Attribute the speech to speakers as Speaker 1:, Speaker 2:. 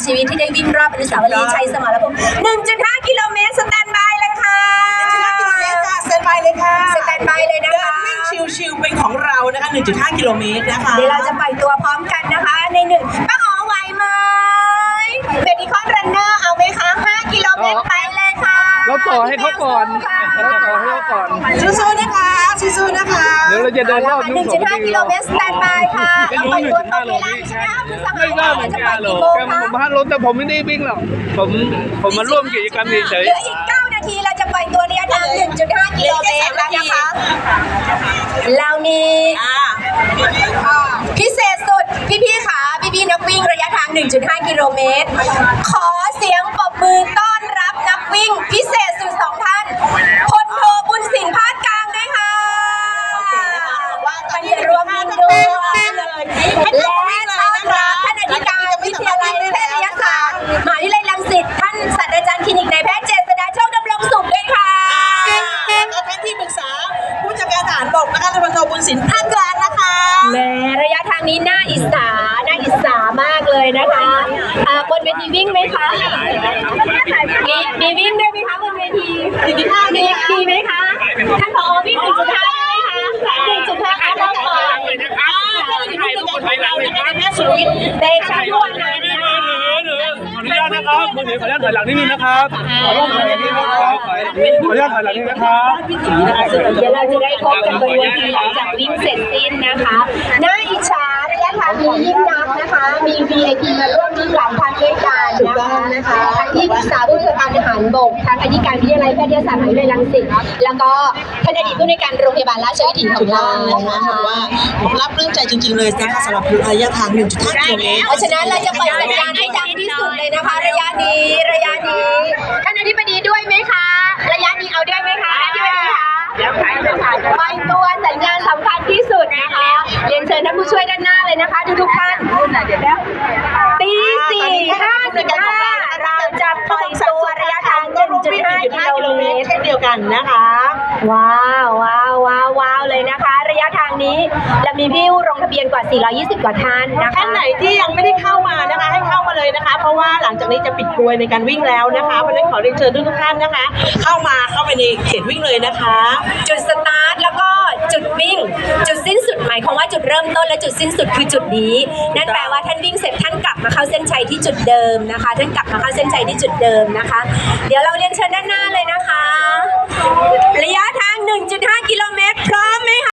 Speaker 1: ชีวิตที่ได้วิ่งรอบอนุสาวรีย์ชัยสมรภูมิ 1.5 กิโลเมตรสแตนบายเลยค่ะ
Speaker 2: 1.5 กิโลเมตรค่ะสแตนบายเลยค่ะ
Speaker 1: สแตนบายเลยนะคะ
Speaker 2: วิ่งชิวๆเป็นของเรานะคะ 1.5 กิโลเมตรนะคะ
Speaker 1: เดี๋ยวเราจะปล่อยตัวพร้อมกันนะคะในหนึ่งป้าอ๋อไหวไหมเบบี้คอนรันเนอร์เอาไหมคะ 5 กิโลเมตรไปเลยค่ะ
Speaker 3: เราต่อให้เขาก่อน
Speaker 2: สู้ๆนะคะสู้ๆนะคะ
Speaker 3: เดี๋ยวเราจะเดินรอบ
Speaker 1: 1.5 กิโลเมตรสแตนบายค่ะเราปล่อยตัวตรงเวลาใช่ไหมคะคุณสหายเราจะปล่อยกี่โมงคะ
Speaker 3: ผมพลาดรถแต่ผมไม่ได้วิ่งหรอกผมมาร่วมกิจกรรมเฉย
Speaker 1: เหลืออีก 9 นาทีเราจะปล่อยตัวระยะทาง 1.5 กิโลเมตรแล้วนะคะเรามีพิเศษสุดพี่ๆค่ะพี่ๆนักวิ่งระยะทาง 1.5 กิโลเมตรขอเสียงปรบมือต้อนรับนักวิ่งพิเศษสุด2 ท่านพลโทบุญสินพาดกลางด้วยค่ะมันจะรวมวิ่งด้วยและต้อนรับท่านอธิการวิทยาลัยแพทยศาสตร์มหาวิทยาลัยรังสิตท่านศาสตราจารย์คลินิกนายแพทย์เจษฎาโชคดำรงสุขด้วยค่ะ
Speaker 2: ท่านที่ปรึกษาผู้จัดการทหารบกนะคะพลโทบุญสินพาดกลางนะคะ
Speaker 1: แม้ระยะทางนี้น่าอิจฉามากเลยนะคะบนเวทีวิ่งไหมคะมีวิ่งด้วยไหมคะบนเวทีมีไหมคะท่านผอวิ่ง 1.5 ได้ไหมคะ 1.5 คะเราต่อเตะชันวันนั้นนะคะ
Speaker 3: ขออนุญาตนะครับมือถือขออนุญาตถอยหลังนิดนึงนะครับขออนุญาตถอยหลังนิดนึงนะครับขออนุญาตถอยหลังนิดนึงนะครับ
Speaker 1: เดี๋ยวเราจะได้พบกันบนเวทีหลังจากวิ่งเสร็จสิ้นนะคะน่าอิจฉาระยะทางนี้ยิ่งนักนะคะมี VIP มาร่วมวิ่งหลายท่านด้วยกันนะคะทั้งที่ปรึกษาผู้จัดการทหารบกทั้งอธิการวิทยาลัยแพทยศาสตร์มหาวิทยาลัยรังสิตแล้วก็ท่านอดีตผู้ในวยการโรงพยาบาลราชวิถีของเรานะคะ
Speaker 2: ว่ารับเรื่องใจจริงๆเลยนะคะสำหรับระยะทาง 1.5 กิโลเมตร
Speaker 1: เพราะฉะนั้นเราจะปล่อยสัญญาณให้ดังที่สุดเลยนะคะระยะนี้ท่านอธิบดีด้วยไหมคะระยะนี้เอาด้วยไหมคะอธิบดีคะปล่อยตัวสัญญาณสำคัญที่สุดนะคะเรียนเชิญท่านผู้ช่วยด้านหน้าเลยนะคะทุกท่านตี 4:55เราจะปล่อยตัวระยะทาง 1.5 กิโลเมตร
Speaker 2: เช่นเดียวกันนะคะ
Speaker 1: ว้าวเลยนะคะ ระยะทางนี้เรามีผู้ลงทะเบียนกว่า420 กว่าท่านนะคะ
Speaker 2: ท่านไหนที่ยังไม่ได้เข้ามานะคะให้เข้ามาเลยนะคะเพราะว่าหลังจากนี้จะปิดกลวยในการวิ่งแล้วนะคะเพราะฉะนั้นขอเรียนเชิญทุกท่านนะคะเข้าไปในเขตวิ่งเลยนะคะ
Speaker 1: จุดสตาร์ทแล้วก็จุดวิ่งจุดสิ้นสุดหมายความว่าจุดเริ่มต้นและจุดสิ้นสุดคือจุดนี้นั่นแปลว่าท่านวิ่งเสร็จท่านกลับมาเข้าเส้นชัยที่จุดเดิมนะคะท่านกลับมาเข้าเส้นชัยที่จุดเดิมนะคะเดี๋ยวเราเรียนเชิญด้านหน้าเลยนะคะระยะทาง 1.5 กิโลเมตรพร้อมไหมคะ